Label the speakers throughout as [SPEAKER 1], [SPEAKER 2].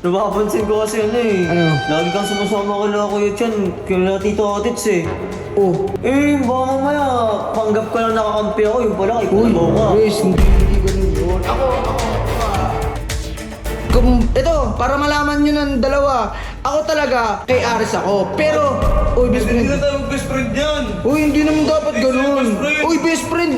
[SPEAKER 1] Napapansin ko kasi ano eh.
[SPEAKER 2] Ano?
[SPEAKER 1] Lagi kang sumasama kala Kuya Chan, kala Tito Otits eh.
[SPEAKER 2] Oh.
[SPEAKER 1] Baka mamaya, panggap ka lang nakakampi ako, yung pala kay
[SPEAKER 2] Uy,
[SPEAKER 1] Kalabaw ka.
[SPEAKER 2] Chris, hindi ganun yun. Ito, para malaman nyo ng dalawa, ako talaga, kay Aris ako. Pero, uy, best friend.
[SPEAKER 3] Hindi na tayo mag-best friend yan.
[SPEAKER 2] Uy, hindi naman dapat ganun.
[SPEAKER 3] Best friend.
[SPEAKER 2] Uy, best friend.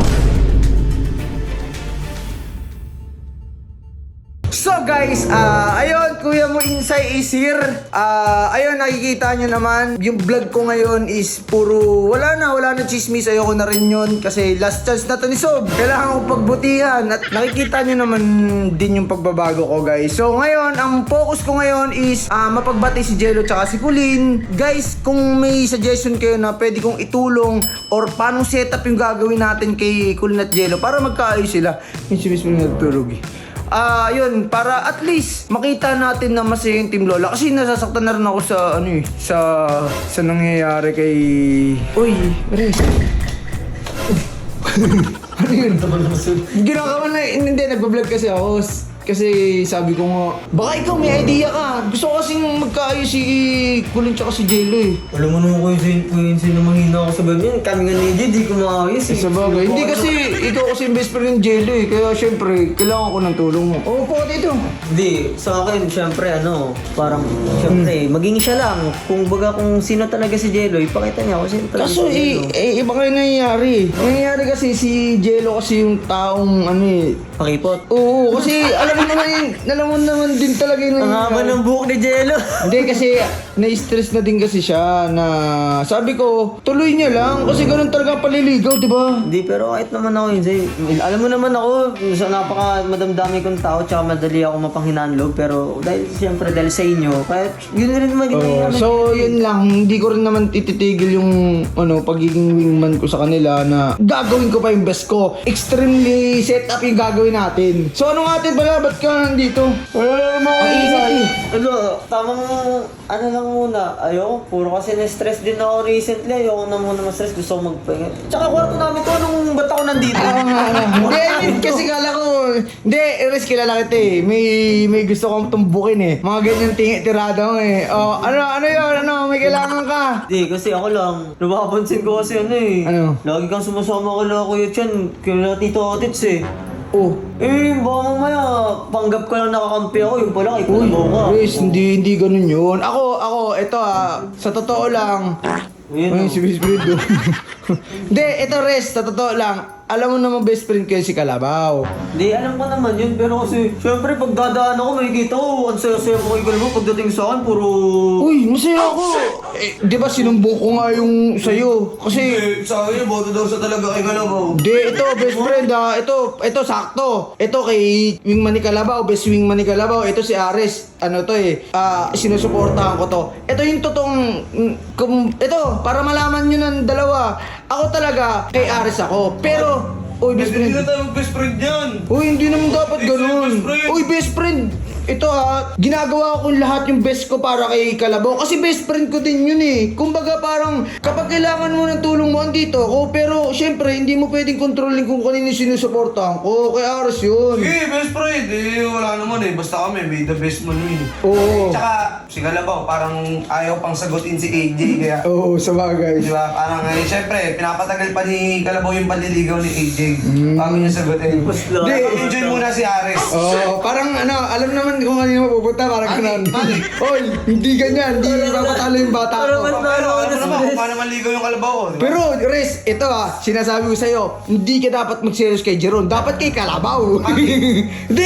[SPEAKER 2] So guys, ayun, Kuya Mo Insay is here. Ayun, nakikita nyo naman, yung vlog ko ngayon is puro, wala na chismis, ayoko na rin yun. Kasi last chance na to ni Sob. Kailangan ko pagbutihan. At nakikita nyo naman din yung pagbabago ko, guys. So ngayon, ang focus ko ngayon is mapagbati si Jello tsaka si Pauline. Guys, kung may suggestion kayo na pwede kong itulong or paano setup yung gagawin natin kay Kulin at Jello para magkaayos sila. Yung si Miss Pauline nagturog eh. Yun, para at least makita natin na masaya yung Team Lola. Kasi nasasaktan na rin ako sa, ano eh, sa nangyayari kay... Uy, Res. Ano yun? Ginagawa na, hindi, nagbablog kasi ako. Kasi sabi ko nga, baka ikaw may idea ka. Gusto ko kasing magkaayos si Kulin tsaka si Jello eh.
[SPEAKER 1] Alam mo naman Kuya Chan na mahina ako sa ganyan. Kami nga ni Jay, di ko maayos eh.
[SPEAKER 2] Sa bagay, hindi kasi ikaw kasi yung best friend ng Jello eh. Kaya syempre, kailangan ko ng tulong mo. Oo po, dito.
[SPEAKER 1] Hindi, sa akin, syempre parang, syempre, maging siya lang. Kung baga kung sino talaga si Jello, ipakita niya kung sino talaga
[SPEAKER 2] Kaso
[SPEAKER 1] si Jello.
[SPEAKER 2] iba kayo nangyayari. Nangyayari kasi si Jello kasi yung taong ano eh.
[SPEAKER 1] Pakipot.
[SPEAKER 2] Oo, kasi alam mo naman din talaga yung
[SPEAKER 1] Ang haba ng buhok ni Jello.
[SPEAKER 2] Hindi kasi na-stress na din kasi siya na sabi ko, tuloy niya lang kasi ganun talaga paliligaw, di ba?
[SPEAKER 1] Hindi, pero kahit naman ako yun, Zay. Alam mo naman ako, sa napaka madamdami kong tao, tsaka madali ako mapanghinaan loob, pero siyempre dahil sa inyo, kahit yun rin naman
[SPEAKER 2] So yun lang, hindi ko rin naman tititigil yung pagiging wingman ko sa kanila na gagawin ko pa yung best ko. Extremely set up yung gagawin natin. So ano nga atin pala, ba't ka nandito? Wala naman ako
[SPEAKER 1] Ay, tamang ano lang muna. Ayoko, puro kasi na-stress din ako recently. Ayoko na muna ma-stress. Gusto ko magpahinga. Tsaka kwarto namin to, anong ba't ako nandito?
[SPEAKER 2] Hindi, I mean, kasi kala ko, hindi, Eres, kilala kita eh. May gusto kong tumbukin eh. Mga ganyan tirada mo eh. Oh, ano yun, may kailangan ka.
[SPEAKER 1] Hindi, kasi ako lang. Napapansin ko kasi ano eh.
[SPEAKER 2] Ano?
[SPEAKER 1] Lagi kang sumasama kala Kuya Chan, kala Tito Otits eh.
[SPEAKER 2] Oh.
[SPEAKER 1] Baka mamaya, panggap ka lang nakakampi ako, yung pala kay
[SPEAKER 2] Uy,
[SPEAKER 1] Kalabaw ka.
[SPEAKER 2] Chris, hindi ganun yun. Ako, ito sa totoo lang.
[SPEAKER 1] Ayun,
[SPEAKER 2] Ay, si best friend do. Hindi, ito Res, sa totoo lang. Alam mo naman best friend ko si Kalabaw.
[SPEAKER 1] Hindi, alam ko naman yun, pero kasi, syempre, pag dadaan ako, makikita ko, ang saya-saya ko kay Kalabaw, pagdating sa akin, puro...
[SPEAKER 2] Uy, masaya ako. Di ba sinumbong ko nga yung sa'yo? Kasi...
[SPEAKER 3] Sa akin, boto daw sa talaga kay Kalabaw.
[SPEAKER 2] Hindi, ito, best friend ito, sakto. Ito kay wingman ni Kalabaw, best wingman ni Kalabaw. Ito si Ares, sinusuportahan ko to. Ito yung totoong, ito, para malaman nyo ng dalawa, ako talaga, kay Ares ako. Pero, uy, best
[SPEAKER 3] Hindi na
[SPEAKER 2] friend.
[SPEAKER 3] tayo mag-best friend yan.
[SPEAKER 2] Uy, hindi naman dapat ganun.
[SPEAKER 3] Best friend.
[SPEAKER 2] Uy, best friend. Ito ginagawa ko lahat yung best ko para kay Kalabaw. Kasi best friend ko din yun eh. Kumbaga parang kapag kailangan mo ng tulong mo, andito ako. Pero syempre, hindi mo pwedeng kontrolin kung kanino sinusuportahan ko. Kay Aras yun.
[SPEAKER 3] Sige, best friend. Wala naman eh. Basta kami, may the best man win.
[SPEAKER 2] Oo.
[SPEAKER 3] Tsaka, si Kalabaw, parang ayaw pang sagutin si AJ. Kaya,
[SPEAKER 2] Oo, sa bagay.
[SPEAKER 3] di ba? Parang, syempre, pinapatagal pa ni Kalabaw yung panliligaw ni AJ. Bago niya sagutin.
[SPEAKER 1] Di,
[SPEAKER 3] Enjoy muna si Ares.
[SPEAKER 2] Oo, parang alam naman kung kanino mapupunta, parang ganun. Oy, hindi ganyan, hindi mapatalo yung bata ko.
[SPEAKER 3] Alam mo naman kung paano manligaw yung Kalabaw ko, di ba?
[SPEAKER 2] Pero, Res, ito sinasabi ko sa'yo, hindi ka dapat mag-serious kay Jeron, dapat kay Kalabaw. Hindi,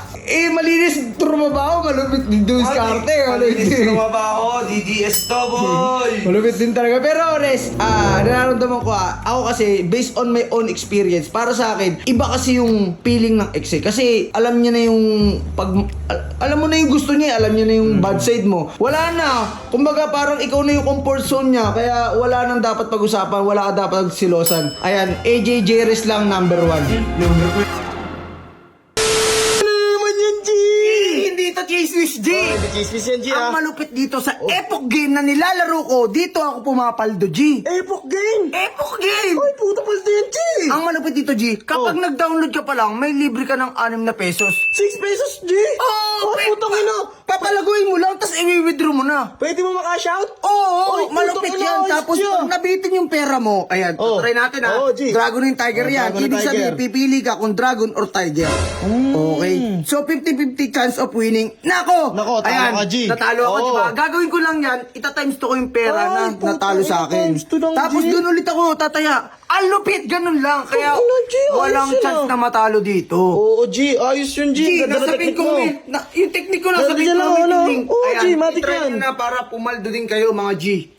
[SPEAKER 2] malinis trumabaho, malupit din doon sa karte.
[SPEAKER 3] Malinis trumabaho, DGS to, boy!
[SPEAKER 2] Malupit din talaga. Pero, Res, nararamdaman ko ako kasi, based on my own experience, para sa akin, iba kasi yung feeling ng ex eh. Kasi, alam niya na yung, alam mo na yung gusto niya, alam niya na yung bad side mo. Wala na. Kumbaga, parang ikaw na yung comfort zone niya, kaya wala nang dapat pag-usapan, wala ka dapat silosan. Ayan, AJ Jerez lang, number 1. Dito, Chismis G!
[SPEAKER 4] Chismis yan, G,
[SPEAKER 2] Ang malupit dito sa Epoch Game na nilalaro ko, dito ako pumapaldo, G.
[SPEAKER 4] Epoch Game!
[SPEAKER 2] Epoch Game!
[SPEAKER 4] Ay, puta paldo yan, G!
[SPEAKER 2] Ang malupit dito, G, kapag nag-download ka pa lang, may libre ka ng 6 na pesos.
[SPEAKER 4] 6 pesos, G!
[SPEAKER 2] Oh,
[SPEAKER 4] putang ina!
[SPEAKER 2] papalaguin na.
[SPEAKER 4] Pwede mo maka-shout?
[SPEAKER 2] Oo,
[SPEAKER 4] Oy,
[SPEAKER 2] malupit
[SPEAKER 4] putang
[SPEAKER 2] yan.
[SPEAKER 4] ina,
[SPEAKER 2] Tapos
[SPEAKER 4] G,
[SPEAKER 2] pag nabitin yung pera mo, ayan,
[SPEAKER 4] Oh.
[SPEAKER 2] try natin ha.
[SPEAKER 4] Oh, G.
[SPEAKER 2] Dragon and Tiger
[SPEAKER 4] Oh,
[SPEAKER 2] yan.
[SPEAKER 4] Dragon and
[SPEAKER 2] Ibig
[SPEAKER 4] Tiger.
[SPEAKER 2] sabihin, pipili ka kung Dragon or Tiger. Okay. So, 50-50 chance of winning. Nako,
[SPEAKER 4] talo
[SPEAKER 2] ayan,
[SPEAKER 4] ka, G.
[SPEAKER 2] natalo ako,
[SPEAKER 4] Oo.
[SPEAKER 2] di ba? Gagawin ko lang yan, itatimes to ko yung pera
[SPEAKER 4] Ay,
[SPEAKER 2] na
[SPEAKER 4] puta,
[SPEAKER 2] natalo sa akin.
[SPEAKER 4] times to lang,
[SPEAKER 2] Tapos
[SPEAKER 4] G.
[SPEAKER 2] doon ulit ako tataya. Ang lupit, ganun lang. Kaya
[SPEAKER 4] Ano, G, ayos
[SPEAKER 2] walang
[SPEAKER 4] yun,
[SPEAKER 2] chance
[SPEAKER 4] ah.
[SPEAKER 2] na matalo dito.
[SPEAKER 4] Oo, G. Ayos yun, G.
[SPEAKER 2] G,
[SPEAKER 4] Ganda
[SPEAKER 2] nasa
[SPEAKER 4] na
[SPEAKER 2] pin
[SPEAKER 4] technique mo.
[SPEAKER 2] comment. Yung technique ko nasa
[SPEAKER 4] Ganda
[SPEAKER 2] pin
[SPEAKER 4] dyan lang,
[SPEAKER 2] comment
[SPEAKER 4] ano?
[SPEAKER 2] yung link.
[SPEAKER 4] Oo,
[SPEAKER 2] Ayan,
[SPEAKER 4] G, matik
[SPEAKER 2] itry
[SPEAKER 4] yan.
[SPEAKER 2] nyo na para pumaldo din kayo mga G.